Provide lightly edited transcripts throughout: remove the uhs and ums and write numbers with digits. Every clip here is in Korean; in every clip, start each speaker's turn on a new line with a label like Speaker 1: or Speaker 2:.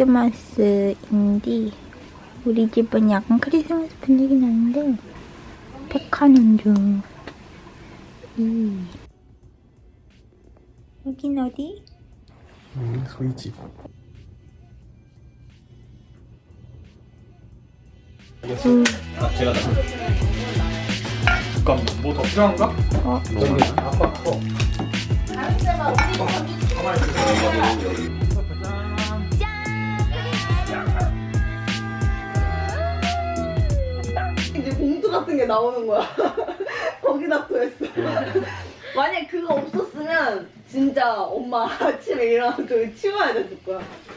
Speaker 1: 크리스마스인데 우리 집은 약간 크리스마스 분위기 나는데 백화는 중. 여긴 어디?
Speaker 2: 소희 집. 제가 잠깐 뭐 더 필요한가? 저기 아빠 거.
Speaker 3: 이제 봉투 같은 게 나오는 거야. 거기다 또 했어. 만약 그거 없었으면 진짜 엄마 아침에 일어나서 저기 치워야 됐을 거야.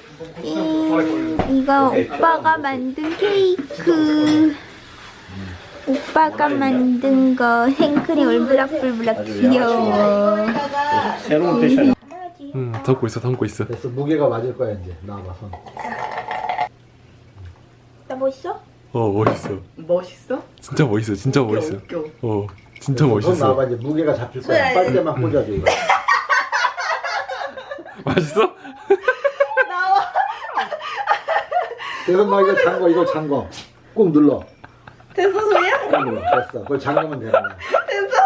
Speaker 1: 이거 오빠가 만든 케이크. 오빠가 만든 거 생크림 울브락불브락 귀여워.
Speaker 2: 새로운 패션. 담고 있어, 담고 있어.
Speaker 4: 됐어, 무게가 맞을 거야 이제. 나와봐 손.
Speaker 1: 나 멋있어?
Speaker 2: 멋있어.
Speaker 3: 멋있어?
Speaker 2: 진짜 멋있어, 진짜 멋있어.
Speaker 3: 웃겨.
Speaker 2: 진짜
Speaker 4: 손
Speaker 2: 멋있어.
Speaker 4: 나와봐 이제. 무게가 잡힐 거야. 빨대만 꽂아줘 이거.
Speaker 2: 맛있어?
Speaker 3: 나와.
Speaker 4: 대선 나 이거 잠궈, 이거 잠궈. 꾹 눌러.
Speaker 3: 됐어 소리야?
Speaker 4: 꾹 눌러. 됐어. 그걸 잠그면 되는 거야.
Speaker 3: 됐어?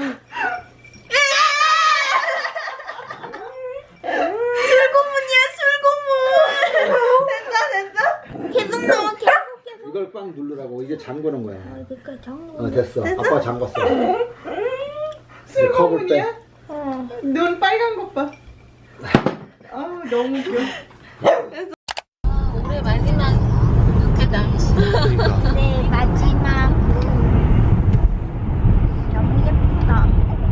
Speaker 3: 술고문이야 술고문. 됐다. 계속 나와 계속.
Speaker 4: 이걸 꽉 누르라고. 이게 잠그는 거야.
Speaker 1: 그러니까 정말.
Speaker 4: 됐어. 아빠 잠궜어. 이제 컵을 빼.
Speaker 3: 눈 빨간 것 봐. 아 너무 귀여워. 올해 마지막 lucca다.
Speaker 1: 네, 마지막. 너무 예쁘다.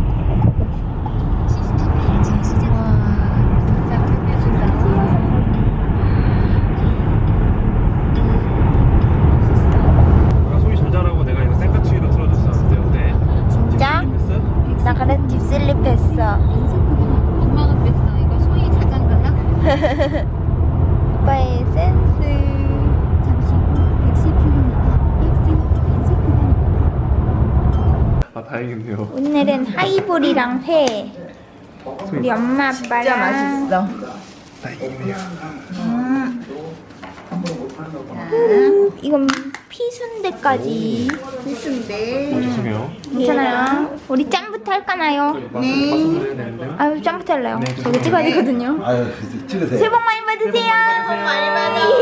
Speaker 2: 소희 잘 자라고 내가 이거 생카치기로 틀어줬었는데 어때?
Speaker 1: 진짜? 나 그래 딥슬립했어.
Speaker 5: 엄마가 그랬어. 이거 소희 자장가야?
Speaker 1: 오빠의 센스.
Speaker 5: 잠시 후 110km 엑슨 단속 구간입니다.
Speaker 2: 다행이네요.
Speaker 1: 오늘은 하이볼이랑 회. 우리 엄마 아빠랑.
Speaker 3: 진짜 맛있어.
Speaker 2: 다행이네요.
Speaker 1: 이건 피순대까지.
Speaker 3: 무슨데?
Speaker 2: 죄송해요.
Speaker 1: 괜찮아요. 우리 짬부터 할까나요?
Speaker 3: 네.
Speaker 1: 아유 짬부터 할래요. 저거 찍어야 되거든요.
Speaker 4: 아유, 찍으세요.
Speaker 1: 새해 복 많이 받으세요.
Speaker 3: 새해 복 많이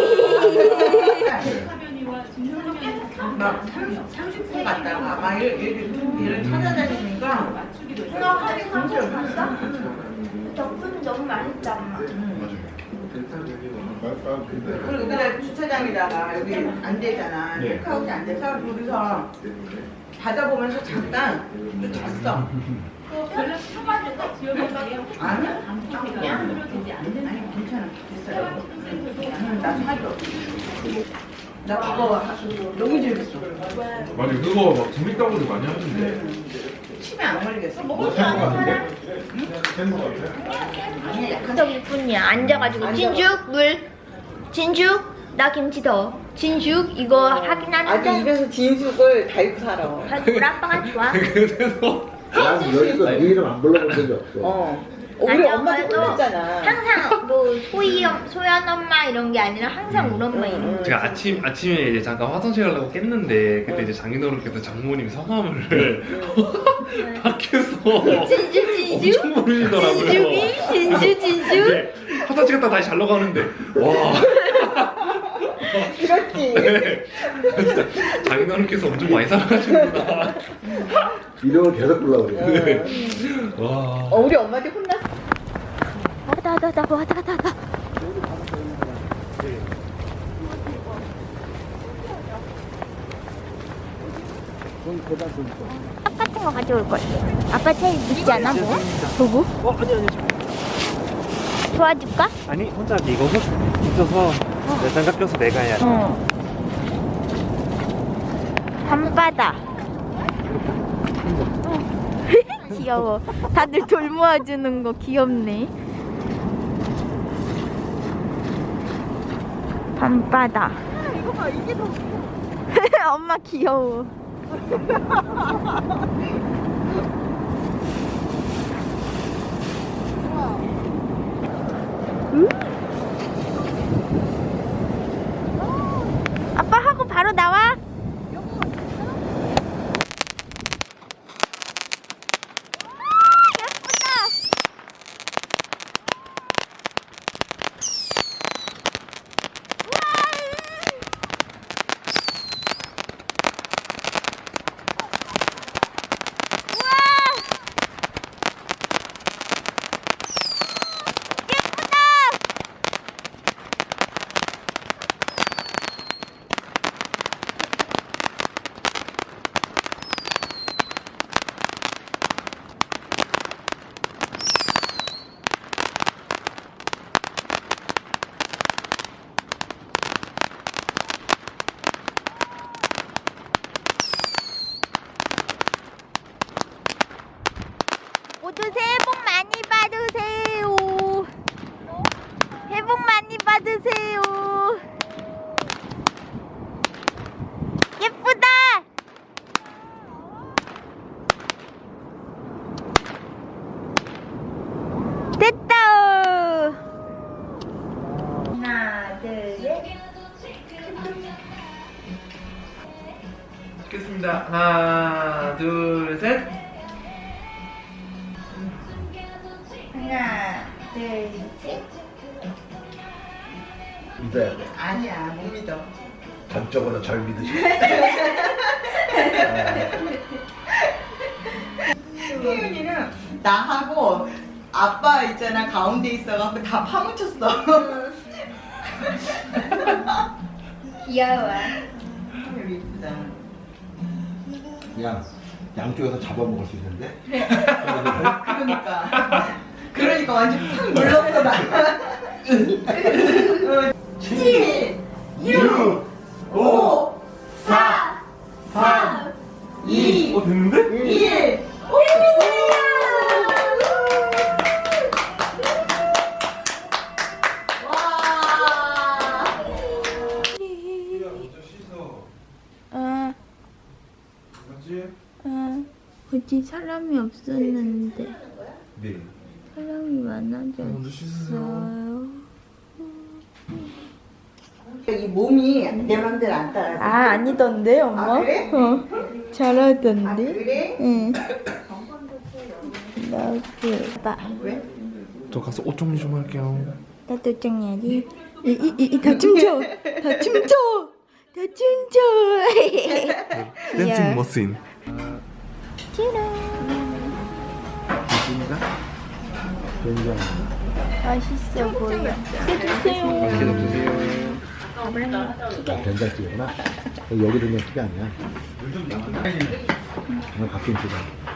Speaker 3: 막 30분 갔다가 막 얘를 찾아다니니까 생각하기 상관없어.
Speaker 1: 덕분은 너무 맛있다 엄마.
Speaker 3: 그리고 그날 주차장에다가 여기 안 되잖아. 체크아웃이 안 돼서 둘이서 바다 보면서 잠깐 또 잤어. 아니? 아니 괜찮아. 됐어요. 나 사줘. 나 그거 너무 재밌어.
Speaker 2: 맞아, 그거 막 재밌다고도 많이 하는데.
Speaker 3: 치매 안 걸리겠어? 아니 약간
Speaker 1: 저기 뿐이야. 앉아가지고 진죽 물. 진죽 나 김치 더. 진죽 이거 하긴
Speaker 3: 아직
Speaker 1: 하는데.
Speaker 3: 입에서 진숙을 달고 살아.
Speaker 1: 우리 아빠가 좋아.
Speaker 2: 그래서
Speaker 4: 난 여기서 네 이름 안 불러본 적이 없어.
Speaker 3: 우리
Speaker 1: 아니,
Speaker 3: 엄마도
Speaker 1: 엄마도
Speaker 3: 혼냈잖아.
Speaker 1: 항상 뭐 소연 엄마 이런 게 아니라 항상 우리 엄마 이름.
Speaker 2: 제가 아침에 이제 잠깐 화장실 가려고 깼는데 그때 이제 장인어른께서 장모님 성함을 밖에서
Speaker 1: 진주
Speaker 2: 엄청 모르시더라고요.
Speaker 1: 진주.
Speaker 2: 네, 화장실 갔다 다시 자려고 하는데 와.
Speaker 3: 그렇지.
Speaker 2: 네. 진짜 장인어른께서 엄청 많이 살아가시는구나.
Speaker 4: 이름을 계속 불러 그래.
Speaker 2: 네. 와.
Speaker 3: 우리 엄마한테 혼났어.
Speaker 1: 와다. 똑같은 거 가져올 걸. 아빠 차에 있지 않아 뭐? 도구?
Speaker 6: 아니
Speaker 1: 도와줄까?
Speaker 6: 아니 혼자 하기 이거 있어서 내 장갑 껴서 내가 해야 돼.
Speaker 1: 밤바다. 귀여워. 다들 돌 모아주는 거 귀엽네. 밤바다.
Speaker 3: 이거 봐, 이게 더
Speaker 1: 엄마 귀여워. 모두 새해 복 많이 받으세요. 새해 복 많이 받으세요. 예쁘다. 됐다. 하나, 둘, 셋.
Speaker 2: 찍겠습니다. 하나, 둘, 셋.
Speaker 1: 하나, 둘, 셋.
Speaker 4: 믿어야 돼.
Speaker 3: 아니야, 못 믿어.
Speaker 4: 전적으로 절 믿으시.
Speaker 3: 태윤이는 나하고 아빠 있잖아 가운데 있어갖고 다 파묻혔어.
Speaker 1: 귀여워.
Speaker 3: 여기 이쁘다.
Speaker 4: 그냥 양쪽에서 잡아먹을 수 있는데.
Speaker 3: 그러니까 완전 팍 눌렀어 나. 7, 6, 5, 4, 3, 2,
Speaker 2: 됐는데?
Speaker 3: 1.
Speaker 1: 어디 사람이 없었는데
Speaker 4: 네.
Speaker 1: 사람이 많아졌어요.
Speaker 3: 이 몸이 내 맘대로 안 따라.
Speaker 1: 아 아니던데 엄마?
Speaker 3: 아, 그래?
Speaker 1: 잘하던데.
Speaker 3: 아, 그래?
Speaker 1: 응. 나도 봐.
Speaker 3: 왜?
Speaker 2: 저 가서 옷 정리 좀 할게요.
Speaker 1: 나도 정해야지. 다 춤춰. 다 춤춰. 다 춤춰.
Speaker 2: 댄싱 머신.
Speaker 4: 굉장히.
Speaker 1: 맛있어 보여. 해주세요.
Speaker 2: 계속 주세요.
Speaker 4: 된장찌개구나. 여기 된장찌개 아니야. 이거 갓김치다.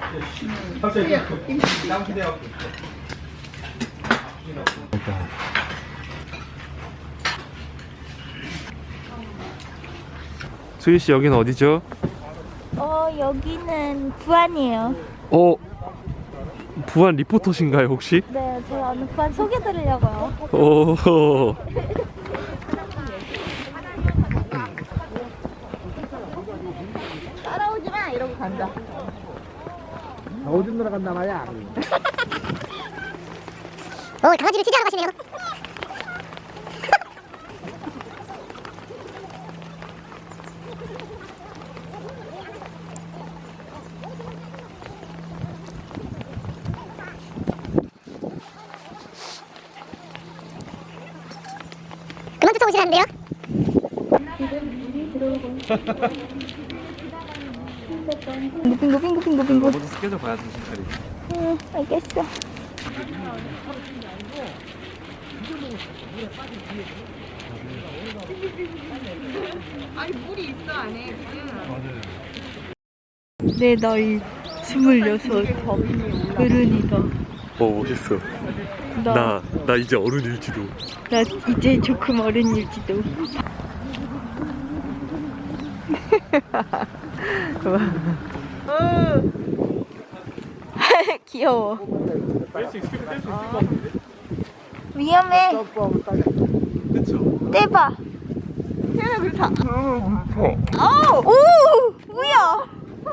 Speaker 4: 일단
Speaker 2: 수희 씨 여기는 어디죠?
Speaker 1: 여기는 부안이에요.
Speaker 2: 부안 리포터신가요 혹시?
Speaker 1: 네, 제가 오늘 부안 소개드리려고요.
Speaker 2: 오.
Speaker 1: 따라오지 마 이러고 간다.
Speaker 4: 오줌 들어간다 말이야.
Speaker 1: 강아지를 취재하러 가시네요. 그만 쫓아오시는데요? 빙고.
Speaker 2: 모두 스케줄 봐야 정신 차리지.
Speaker 1: 응, 알겠어. 내 나이 26 어른이다.
Speaker 2: 멋있어. 나 이제 어른일지도.
Speaker 1: 나 이제 조금 어른일지도. 귀여워. 위험해. 떼봐. 태연아 그렇다. 오, 뭐야?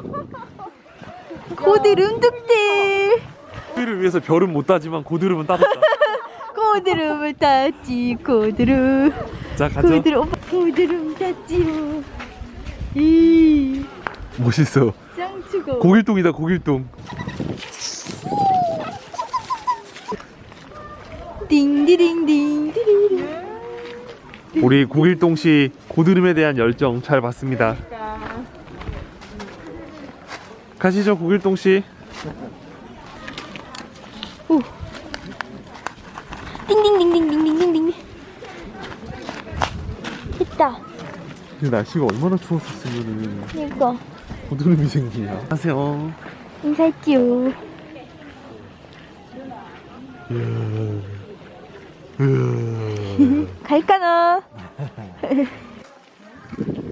Speaker 1: 고드름 득들.
Speaker 2: 수희를 위해서 별은 못 따지만 고드름은 따졌다.
Speaker 1: 고드름을 땄지 고드름.
Speaker 2: 자 가자.
Speaker 1: 고드름 땄지요. 이
Speaker 2: 멋있어.
Speaker 1: 짱추고.
Speaker 2: 고길동이다 고길동.
Speaker 1: 딩디딩딩디리리.
Speaker 2: 우리 고길동 씨 고드름에 대한 열정 잘 봤습니다. 가시죠 고길동 씨.
Speaker 1: 오. 딩딩딩딩딩딩딩. 됐다.
Speaker 2: 날씨가 얼마나 추웠었으면
Speaker 1: 이거
Speaker 2: 고드름이 생기냐. 안녕하세요.
Speaker 1: 인사했지요. 갈까나?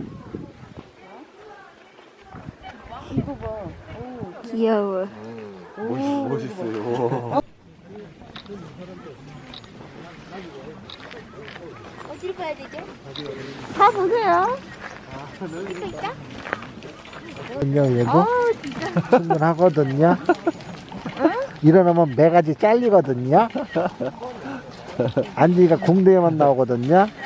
Speaker 1: 귀여워.
Speaker 6: 멋있어요.
Speaker 1: 어디로 가야 되죠? 다 보세요. 그러니까?
Speaker 7: 그냥 얘도 충분하거든요. 일어나면 매가지 잘리거든요. 안지가 궁뎅이만 나오거든요.